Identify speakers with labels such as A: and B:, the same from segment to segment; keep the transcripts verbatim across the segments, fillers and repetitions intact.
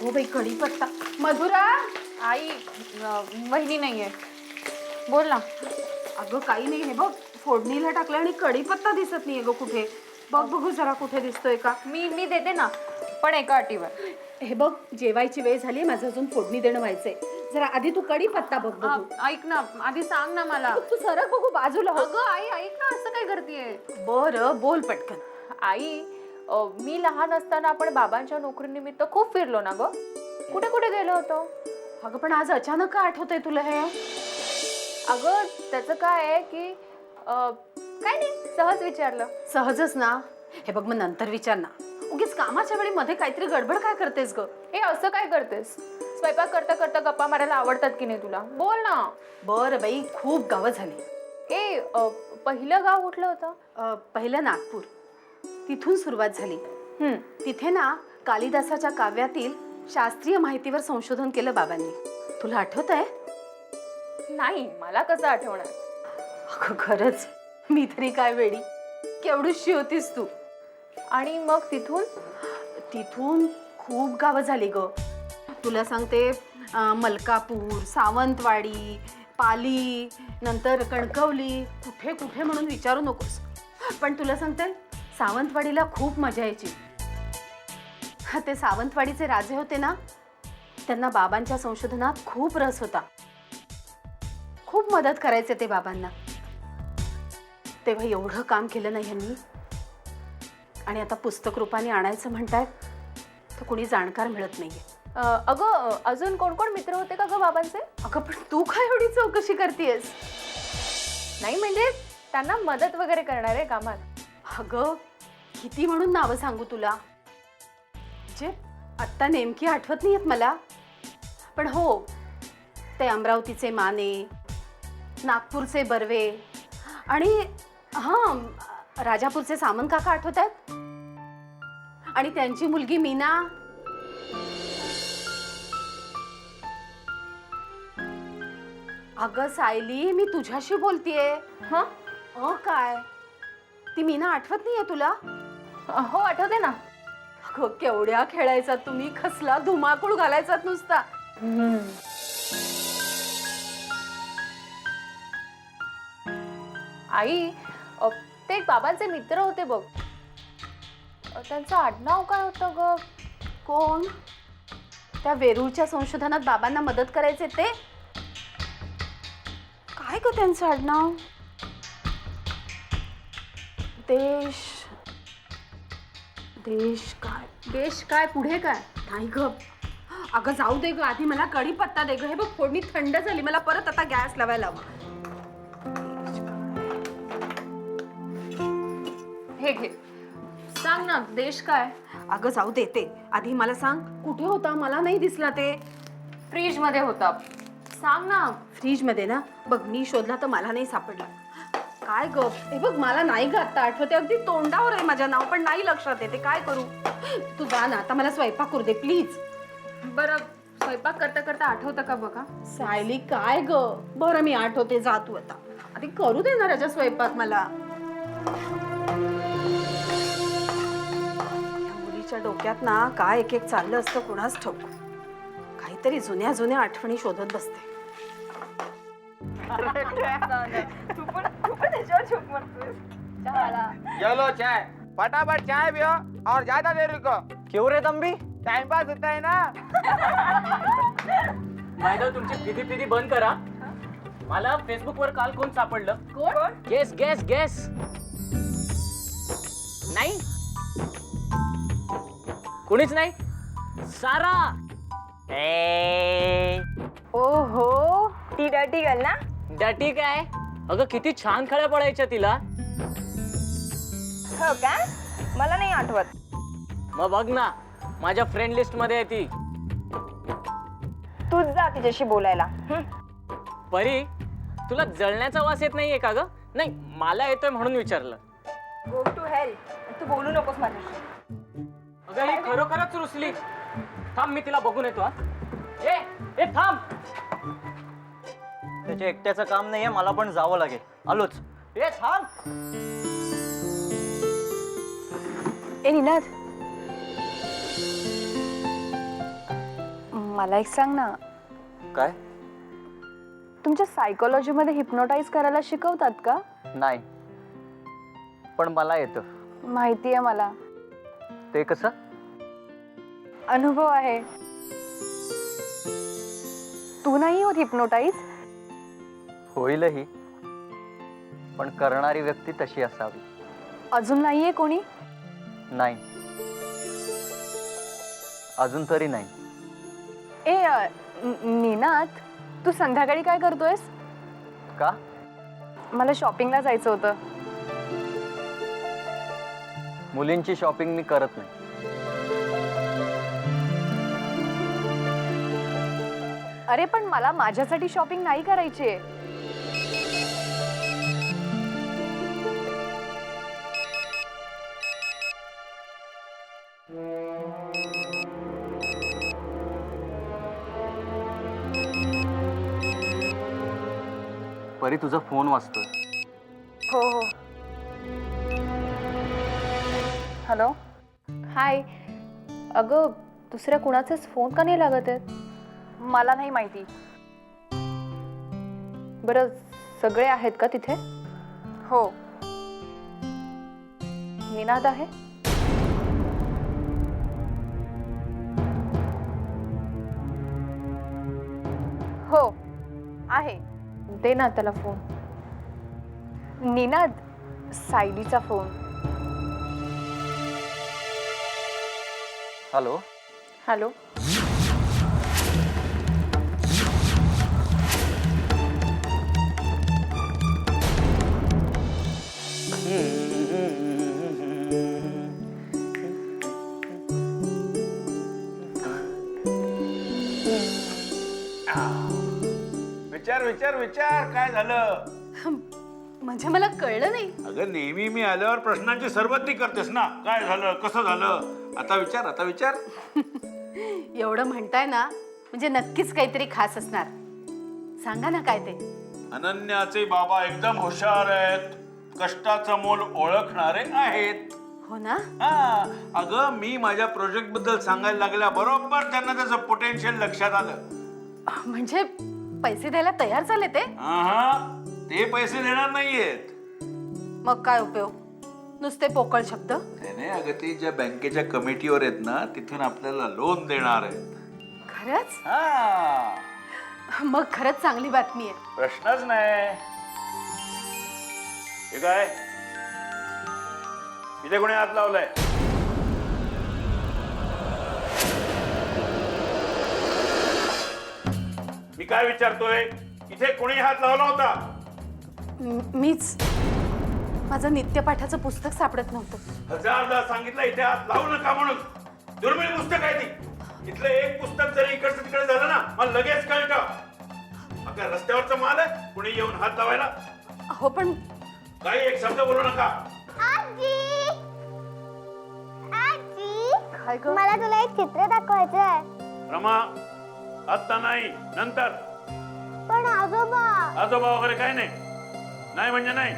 A: अगो बाई कढीपत्ता. मधुरा
B: आई अ, वहिनी नाहीये. बोल ना.
A: अगं काही नाही, हे बघ फोडणीला टाकलं आणि कढीपत्ता दिसत नाहीये ग कुठे. बघ बघू जरा कुठे दिसतोय का.
B: मी मी देते ना, पण एका अटीवर.
A: हे बघ जेवायची वेळ झाली, माझं अजून फोडणी देणं व्हायचंय. जरा आधी तू कढीपत्ता बघ बघू.
B: अ, ऐक ना, आधी सांग ना मला.
A: तू सरक बघू बाजूला हो.
B: अगं आई ऐक ना, असं काय करतेय?
A: बरं बोल पटकन.
B: आई अ, मी लहान असताना आपण बाबांच्या नोकरीनिमित्त खूप फिरलो ना ग. कुठे कुठे गेलो होतो?
A: अगं पण आज अचानक का आठवतंय तुला हे?
B: अगं त्याचं काय आहे की अ, काय नाही, सहज विचारलं.
A: सहजच ना. हे बघ मग नंतर विचार ना. उगीच कामाच्या वेळी मध्ये काहीतरी गडबड काय करतेस ग?
B: हे असं काय करतेस? स्वयंपाक करता करता गप्पा मारायला आवडतात की नाही तुला? बोल ना.
A: बरं बाई खूप गावं झाली.
B: ए अ, पहिलं गाव कुठलं होतं?
A: अ, पहिलं नागपूर. तिथून सुरुवात झाली.
B: हम्म.
A: तिथे ना कालिदासाच्या काव्यातील शास्त्रीय माहितीवर संशोधन केलं बाबांनी. तुला आठवत आहे?
B: नाही, मला कसं आठवणार?
A: अगं खरंच मी तरी काय वेडी. केवढीशी होतीस तू.
B: आणि मग तिथून
A: तिथून खूप गावं झाली ग. तुला सांगते अं, मलकापूर, सावंतवाडी, पाली, नंतर कणकवली, कुठे कुठे म्हणून विचारू नकोस. पण तुला सांगते सावंतवाडीला खूप मजा यायची. ते सावंतवाडीचे राजे होते ना, त्यांना बाबांच्या संशोधनात खूप रस होता. खूप मदत करायचे ते बाबांना. तेव्हा एवढं काम केलं नाही यांनी. आणि आता पुस्तक रूपाने आणायचं म्हणतायत तर कुणी जाणकार मिळत नाहीये.
B: अ, अगं अजून कोण कोण मित्र होते का ग बाबांचे?
A: अगं पण तू काय एवढी चौकशी करतेयस?
B: नाही म्हणजे त्यांना मदत वगैरे करणार आहे कामात.
A: अगं किती म्हणून नावं सांगू तुला, जे आत्ता नेमकी आठवत नाहीयेत मला. पण हो, ते अमरावतीचे माने, नागपूरचे बर्वे आणि हां राजापूरचे सामंत काका आठवत आहेत. आणि त्यांची मुलगी मीना. अगं सायली मी तुझ्याशी बोलतीये.
B: हं?
A: अ काय ती मीना आठवत नाहीये तुला?
B: हो आठवते ना.
A: अगं केवढ्या खेळायचा तुम्ही, कसला धुमाकूळ घालायचात नुसता.
B: आई अ, ते बाबांचे मित्र होते बघ. अ, त्यांचं आडनाव काय होतं ग?
A: कोण? त्या वेरूळच्या संशोधनात बाबांना मदत करायचे ते? काय ग त्यांचं आडनाव? देश देश काय
B: देश काय पुढे काय?
A: नाही ग. अगं जाऊ दे ग, आधी मला कढीपत्ता दे ग. हे बघ फोडणी थंड झाली, मला परत आता गॅस लावायला हवा.
B: हे घे, सांग ना देश काय?
A: अगं जाऊ दे ते, आधी मला सांग कुठे होता, मला नाही दिसला ते.
B: फ्रीज मध्ये होता. सांग ना.
A: फ्रीज मध्ये ना. बघ मी शोधला तर मला नाही सापडला. काय ग? हे बघ मला नाही ग आता आठवते, अगदी तोंडावर आहे माझ्या नाव, पण नाही लक्षात येते. काय करू? तू जा ना आता, मला स्वयंपाक करू दे प्लीज.
B: बरं स्वयंपाक करता करता आठवतं का बघा?
A: सायली काय ग? बरं मी आठवते, जा तू आता. आधी करू दे ना राजा स्वयंपाक मला. या मुलीच्या डोक्यात ना काय एक एक चाललं असतं कुणाच ठाऊक. काहीतरी जुन्या जुन्या आठवणी शोधत बसते.
B: तू पण तू पण त्याच्यावर झोप मारतोय. चहाला.
C: ये लो चाय, फटाफट चाय पियो और ज्यादा देर रुको.
D: क्यों रे तंबी?
C: टाइम पास होता है ना.
D: मॅडम तुमची फिदी फिदी बंद करा. मला फेसबुक वर काल कोण सापडलं?
B: कोण?
D: Guess guess guess. नाही कुणीच नाही. सारा. ए
E: ओहो ती डटी गर्ल ना.
D: डटी काय? अगं किती छान खड्या पडायच्या तिला.
E: हो का? मला नाही आठवत.
D: मग बघ ना, माझ्या फ्रेंड लिस्ट मध्ये आहे ती.
E: तूच जा तिच्याशी बोलायला. हं.
D: परी तुला जळण्याचा वास येत नाहीये का ग? नाही मला येतोय म्हणून विचारलं.
E: Go to hell. तू बोलू नकोस माझ्याशी.
D: अगं ही खरोखरच रुसली. थांब मी तिला बघून येतो. हा ए ए थांब.
F: त्याच्या एकट्याचं काम नाहीये, मला पण जावं लागेल. आलोच.
D: ए थांब.
E: ए निनाद मला एक सांग ना,
F: काय?
E: तुमच्या सायकोलॉजीमध्ये हिप्नोटाईज करायला शिकवतात का?
F: नाही, पण मला येतं.
E: माहिती आहे मला,
F: ते कसं?
E: अनुभव आहे. तू नाही होत हिप्नोटाईज?
F: होईलही, पण करणारी व्यक्ती तशी असावी.
E: अजून नाहीये कोणी?
F: नाही, अजून तरी नाही.
E: ए अ, न- निनाद, तू संध्याकाळी काय करतोयस?
F: का?
E: मला शॉपिंगला जायचं होतं.
F: मुलींची शॉपिंग मी करत नाही.
E: अरे पण मला माझ्यासाठी शॉपिंग नाही करायची आहे.
F: परी, तुझा फोन वाजतोय.
E: हो हो. हॅलो.
B: हाय. अगं दुसऱ्या कुणाचाच फोन का नाही लागत आहेत?
E: मला नाही माहिती.
B: बरं, सगळे आहेत का तिथे?
E: हो.
B: निनाद आहे?
E: हो आहे.
B: दे ना त्याला फोन.
E: निनाद, सायलीचा फोन.
F: हॅलो.
B: हॅलो.
G: विचार विचार विचार काय झालं?
A: म्हणजे मला कळलं नाही.
G: अगं नेहमी मी आल्यावर प्रश्नांची सरबत्ती करतेस ना. काय झालं, कसं झालं, आता विचार आता विचार.
A: एवढं म्हणताय ना, म्हणजे नक्कीच काहीतरी खास असणार. सांगा ना काय ते.
G: अनन्याचे बाबा एकदम हुशार आहेत, कष्टाचं मोल ओळखणारे आहेत.
A: हो ना?
G: हा, अगं मी माझ्या प्रोजेक्ट बद्दल सांगायला लागल्या बरोबर त्यांना त्याचं पोटेन्शियल लक्षात आलं.
A: म्हणजे पैसे द्यायला तयार झाले ते?
G: हा, ते पैसे देणार नाहीयेत.
A: मग काय उपयोग, नुसते पोकळ शब्द?
G: त्याने अगं ते ज्या बँकेच्या कमिटीवर आहेत ना, तिथून आपल्याला लोन देणार आहेत.
A: खरंच?
G: हा,
A: मग खरंच चांगली बातमी आहे.
G: प्रश्नच नाही. हे काय इथे कोणी हात लावलाय? मी काय विचारतोय, इथे कोणी हात लावला होता?
A: म- मीच. माझं नित्यपाठाचं पुस्तक सापडत नव्हतं.
G: हजारदा सांगितलं इथे हात लावू नका म्हणून. दुर्मिळ पुस्तक आहे ती. इथलं एक पुस्तक जरी इकडचं तिकडे झालं ना, मला लगेच कळतं. अगं रस्त्यावरचा माल आहे, कुणी येऊन हात लावायला?
A: हो पण
G: काही एक शब्द बोलू नका.
A: काय ग?
H: मला तुला एक चित्र दाखवायचं आहे.
G: रमा, आत्ता नाही, नंतर.
H: पण आजोबा.
G: आजोबा वगैरे काय नाही. नाही म्हणजे नाही.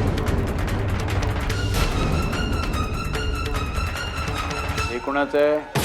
G: हे कोणाचं आहे?